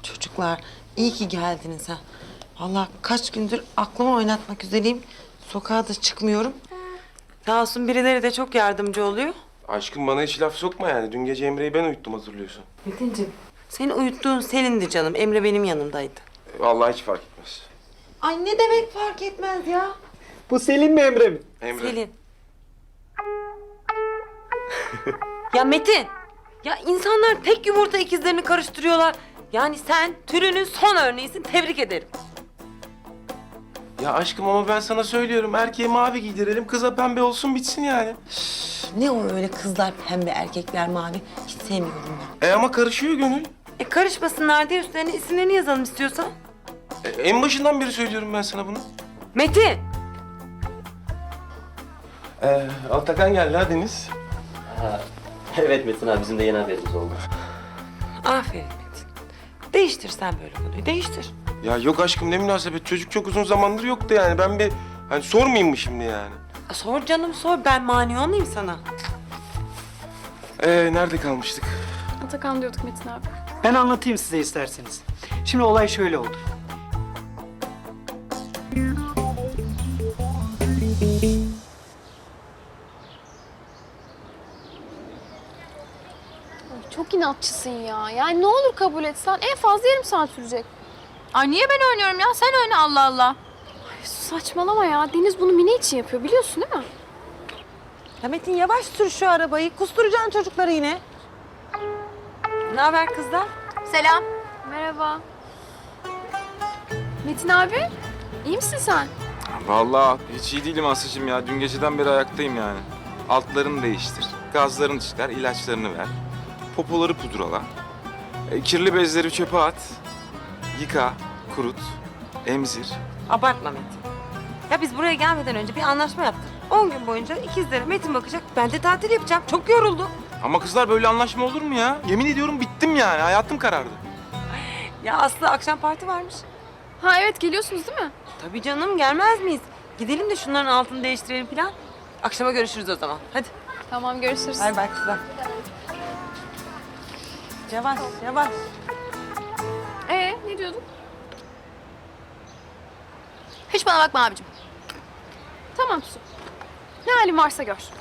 Çocuklar iyi ki geldiniz ha. Vallahi kaç gündür aklımı oynatmak üzereyim. Sokağa da çıkmıyorum. Sağ olsun birileri de çok yardımcı oluyor. Aşkım bana hiç laf sokma yani. Dün gece Emre'yi ben uyuttum hatırlıyorsun. Metin'ciğim seni uyuttuğun Selin'di canım. Emre benim yanımdaydı. Vallahi hiç fark etmez. Ay ne demek fark etmez ya. Bu Selin mi Emre mi? Emre. Selin. Ya Metin. Ya insanlar tek yumurta ikizlerini karıştırıyorlar. Yani sen türünün son örneğisin. Tebrik ederim. Ya aşkım ama ben sana söylüyorum. Erkeğe mavi giydirelim, kıza pembe olsun bitsin yani. Ne o öyle kızlar pembe erkekler mavi. Hiç sevmiyorum ben. Ama karışıyor gönül. Karışmasınlar diye üstlerine isimlerini yazalım istiyorsan. En başından beri söylüyorum ben sana bunu. Metin. Altakan geldi ha Deniz. Evet Metin abi, bizim de yeni haberimiz oldu. Aferin Metin. Değiştir sen böyle konuyu. Değiştir. Ya yok aşkım ne münasebet. Çocuk çok uzun zamandır yoktu yani. Ben bir hani sormayayım mı şimdi yani? Sor canım sor. Ben mani olmayayım sana. Nerede kalmıştık? Atakan diyorduk Metin abi. Ben anlatayım size isterseniz. Şimdi olay şöyle oldu. Çok inatçısın ya. Yani ne olur kabul etsen en fazla yarım saat sürecek. Ay niye ben oynuyorum ya? Sen oyna Allah Allah. Ay, saçmalama ya. Deniz bunu Mine için yapıyor biliyorsun değil mi? Ya Metin yavaş sür şu arabayı. Kusturacaksın çocukları yine. Ne haber kızlar? Selam. Merhaba. Metin abi, iyi misin sen? Vallahi hiç iyi değilim Aslı'cığım ya. Dün geceden beri ayaktayım yani. Altlarını değiştir, gazlarını çıkar, ilaçlarını ver. Popoları pudrala. Kirli bezleri çöpe at. Yıka, kurut, emzir. Abartma Metin. Ya biz buraya gelmeden önce bir anlaşma yaptık. 10 gün boyunca ikizlere Metin bakacak. Ben de tatil yapacağım. Çok yoruldum. Ama kızlar böyle anlaşma olur mu ya? Yemin ediyorum bittim yani. Hayatım karardı. Ya Aslı akşam parti varmış. Ha evet geliyorsunuz değil mi? Tabii canım gelmez miyiz? Gidelim de şunların altını değiştirelim falan. Akşama görüşürüz o zaman. Hadi. Tamam görüşürüz. Bay bay kızlar. Yavaş yavaş. Ne diyordun? Hiç bana bakma abicim. Tamam Su. Ne halin varsa gör.